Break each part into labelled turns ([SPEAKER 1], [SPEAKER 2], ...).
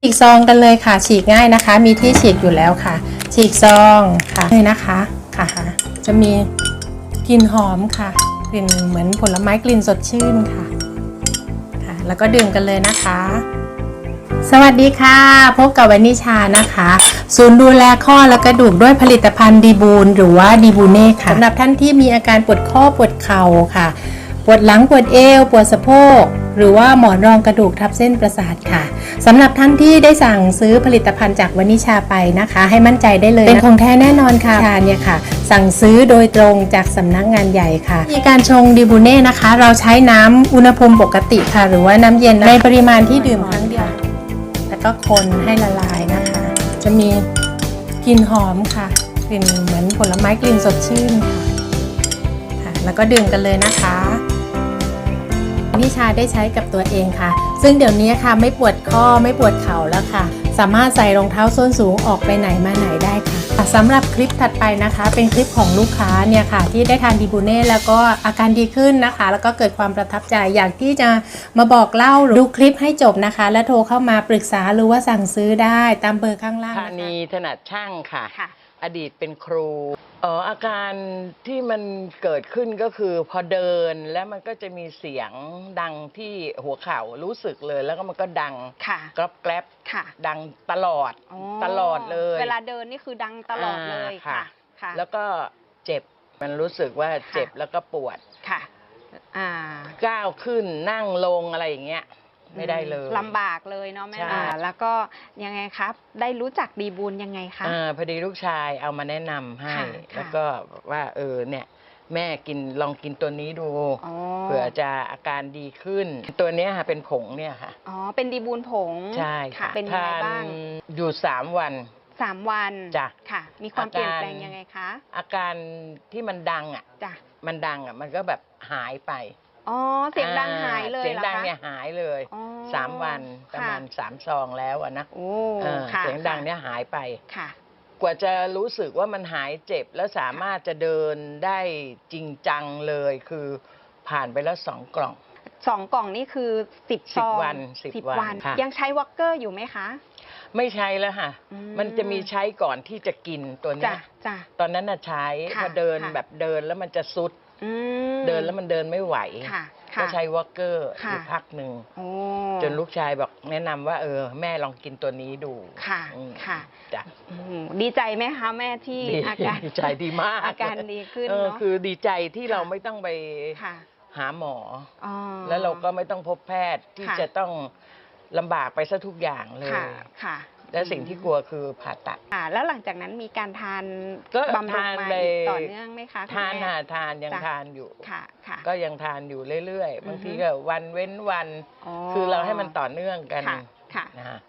[SPEAKER 1] ฉีกซองกันเลยค่ะฉีกง่ายนะคะมีที่ฉีกอยู่แล้วค่ะฉีกซองค่ะเลยนะคะค่ะจะมีกลิ่นหอมค่ะกลิ่นเหมือนผลไม้กลิ่นสดชื่นค่ะแล้วก็ดื่มกันเลยนะคะสวัสดีค่ะพบกับวนิชานะคะศูนย์ดูแลข้อและกระดูกด้วยผลิตภัณฑ์ดีบูนหรือว่าดีบูเน่ค่ะสำหรับท่านที่มีอาการปวดข้อปวดเข่าค่ะปวดหลังปวดเอวปวดสะโพกหรือว่าหมอนรองกระดูกทับเส้นประสาทค่ะสำหรับท่านที่ได้สั่งซื้อผลิตภัณฑ์จากวนิชาไปนะคะให้มั่นใจได้เลยเป็นของแท้แน่นอนค่ะเนี่ยค่ะสั่งซื้อโดยตรงจากสำนักงานใหญ่ค่ะมีการชงดีบูเน่นะคะเราใช้น้ำอุณหภูมิปกติค่ะหรือว่าน้ำเย็นในปริมาณที่ดื่มครั้งเดียวแล้วก็คนให้ละลายนะคะจะมีกลิ่นหอมค่ะกลิ่นเหมือนผลไม้กลิ่นสดชื่นค่ะแล้วก็ดื่มกันเลยนะคะนิชาได้ใช้กับตัวเองค่ะซึ่งเดี๋ยวนี้ค่ะไม่ปวดข้อไม่ปวดเข่าแล้วค่ะสามารถใส่รองเท้าส้นสูงออกไปไหนมาไหนได้ค่ะสำหรับคลิปถัดไปนะคะเป็นคลิปของลูกค้าเนี่ยค่ะที่ได้ทานดีบูเน่แล้วก็อาการดีขึ้นนะคะแล้วก็เกิดความประทับใจอยากที่จะมาบอกเล่าดูคลิปให้จบนะคะและโทรเข้ามาปรึกษาหรือว่าสั่งซื้อได้ตามเบอร์ข้างล่าง
[SPEAKER 2] ธานีถนัดช่างค่ะอดีตเป็นครูอาการที่มันเกิดขึ้นก็คือพอเดินแล้วมันก็จะมีเสียงดังที่หัวเข่ารู้สึกเลยแล้วก็มันก็ดังกรอบแกรบดังตลอดเลย
[SPEAKER 3] เวลาเดินนี่คือดังตลอดเลยค่ะ
[SPEAKER 2] แล้วก็เจ็บมันรู้สึกว่าเจ็บแล้วก็ปวด
[SPEAKER 3] ค่ะ
[SPEAKER 2] ก้าวขึ้นนั่งลงอะไรอย่างเงี้ยไม่ได้เลย
[SPEAKER 3] ลำบากเลยเนาะแม่แล้วก็ยังไงครับได้รู้จักดีบูนยังไงคะ
[SPEAKER 2] พอดีลูกชายเอามาแนะนำให้แล้วก็ว่าเนี่ยแม่ลองกินตัวนี้ดูเผื่อจะอาการดีขึ้นตัวนี้ค่ะเป็นผงเนี่ยค่ะ
[SPEAKER 3] เป็นดีบูนผง
[SPEAKER 2] ใช่ค่ะ
[SPEAKER 3] เป็นยังไงบ้าง
[SPEAKER 2] อยู่3 วัน
[SPEAKER 3] จ้ะค่ะมีความเปลี่ยนแปลงยังไงคะ
[SPEAKER 2] อาการที่มันดังมันก็แบบหายไป
[SPEAKER 3] เสียงดังหายเลย
[SPEAKER 2] เสียงดังเนี่ยหายเลย3 วันประมาณ3 ซองแล้วนะเสียงดังเนี่ยหายไปกว่าจะรู้สึกว่ามันหายเจ็บแล้วสามารถจะเดินได้จริงจังเลยคือผ่านไปแล้ว2 กล่อง
[SPEAKER 3] 2 กล่องนี่คือ10 ซอง10 วันยังใช้วอล์กเกอร์อยู่ไหมคะ
[SPEAKER 2] ไม่ใช้แล้วค่ะมันจะมีใช้ก่อนที่จะกินตัวนี้ตอนนั้นน่ะใช้พอเดินแบบเดินแล้วมันจะซุดเดินแล้วมันเดินไม่ไหวก็ใช้วอล์กเกอร์อยู่พักหนึ่งจนลูกชายบอกแนะนำว่าแม่ลองกินตัวนี้ดู
[SPEAKER 3] ค่ะ
[SPEAKER 2] จ้ะ
[SPEAKER 3] ดีใจไหมคะแม่ที่อาการ
[SPEAKER 2] ดีใจดีมาก
[SPEAKER 3] อาการดีขึ้น
[SPEAKER 2] คือดีใจที่เราไม่ต้องไปหาหมอแล้วเราก็ไม่ต้องพบแพทย์ที่จะต้องลำบากไปซะทุกอย่างเลยและสิ่งที่กลัวคือผ่าตัด
[SPEAKER 3] แล้วหลังจากนั้นมีการทานบำรุงมาต่อเนื่องไหมคะ
[SPEAKER 2] ทานยังทานอยู่ก็ยังทานอยู่เรื่อยๆบางทีก็วันเว้นวันคือเราให้มันต่อเนื่องกันนะฮะ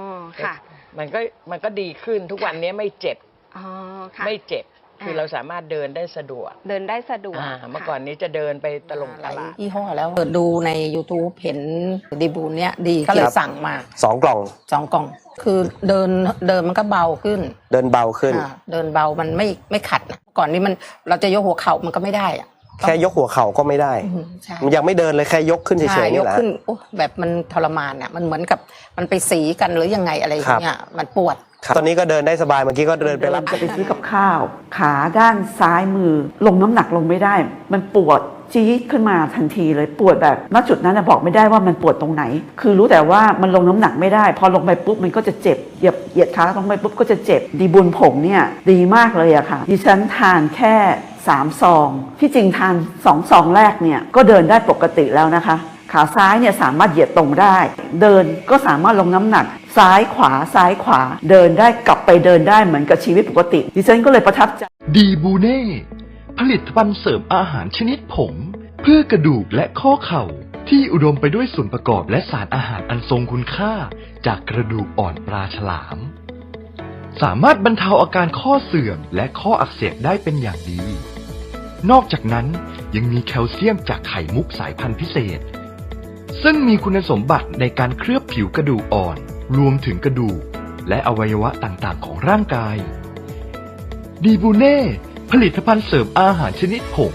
[SPEAKER 2] มันก็ดีขึ้นทุกวันนี้ไม่เจ็บคือเราสามารถเดินได้สะดวก
[SPEAKER 3] เ
[SPEAKER 2] มื่อก่อนนี้จะเดินไปตลาด
[SPEAKER 4] ยี่ห้อแล้วเปิดดูใน YouTube เห็นดีบูนเนี้ยดีก็เลยสั่งมา
[SPEAKER 5] 2 กล่อง
[SPEAKER 4] 2 กล่องคือเดินมันก็เบาขึ้น
[SPEAKER 5] เดินเบาขึ้น
[SPEAKER 4] เดินเบามันไม่ขัดนะก่อนนี้เราจะยกหัวเข่ามันก็ไม่ได้อะ
[SPEAKER 5] แค่ยกหัวเข่าก็ไม่ได้มันยังไม่เดินเลยแค่ยกขึ้นเฉยๆนี่แหละ
[SPEAKER 4] ยกขึ้นแบบมันทรมานอ่ะมันเหมือนกับมันไปสีกันหรือยังไงอะไรอย่างเงี้ยมันปวด
[SPEAKER 5] ตอนนี้ก็เดินได้สบายเมื่อกี้ก็เดินไปรับ
[SPEAKER 6] จะไปซื้อกับข้าวขาด้านซ้ายมือลงน้ำหนักลงไม่ได้มันปวดจี๊ดขึ้นมาทันทีเลยปวดแบบณจุดนั้นบอกไม่ได้ว่ามันปวดตรงไหนคือรู้แต่ว่ามันลงน้ำหนักไม่ได้พอลงไปปุ๊บมันก็จะเจ็บเหยียดขาลงไปปุ๊บก็จะเจ็บดีบุญผงเนี่ยดีมากเลยอะค่ะดิฉันทานแค่3 ซองที่จริงทาน2 ซองแรกเนี่ยก็เดินได้ปกติแล้วนะคะขาซ้ายเนี่ยสามารถเหยียดตรงได้เดินก็สามารถลงน้ำหนักซ้ายขวาเดินได้กลับไปเดินได้เหมือนกับชีวิตปกติดิฉันก็เลยประทับใจ
[SPEAKER 7] ดีบูเน่ผลิตภัณฑ์เสริมอาหารชนิดผงเพื่อกระดูกและข้อเข่าที่อุดมไปด้วยส่วนประกอบและสารอาหารอันทรงคุณค่าจากกระดูกอ่อนปลาฉลามสามารถบรรเทาอาการข้อเสื่อมและข้ออักเสบได้เป็นอย่างดีนอกจากนั้นยังมีแคลเซียมจากไข่มุกสายพันธุ์พิเศษซึ่งมีคุณสมบัติในการเคลือบผิวกระดูกอ่อนรวมถึงกระดูกและอวัยวะต่างๆของร่างกายดีบูเน่ผลิตภัณฑ์เสริมอาหารชนิดผง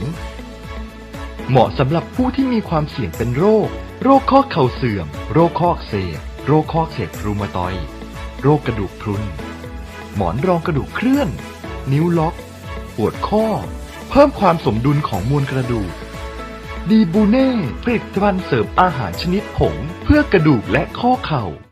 [SPEAKER 7] เหมาะสำหรับผู้ที่มีความเสี่ยงเป็นโรคข้อเข่าเสื่อมโรคข้ออักเสบโรคข้ออักเสบรูมาตอยด์โรคกระดูกพรุนหมอนรองกระดูกเคลื่อนนิ้วล็อกปวดข้อเพิ่มความสมดุลของมวลกระดูกดีบูเน่ผลิตภัณฑ์เสริมอาหารชนิดผงเพื่อกระดูกและข้อเข่า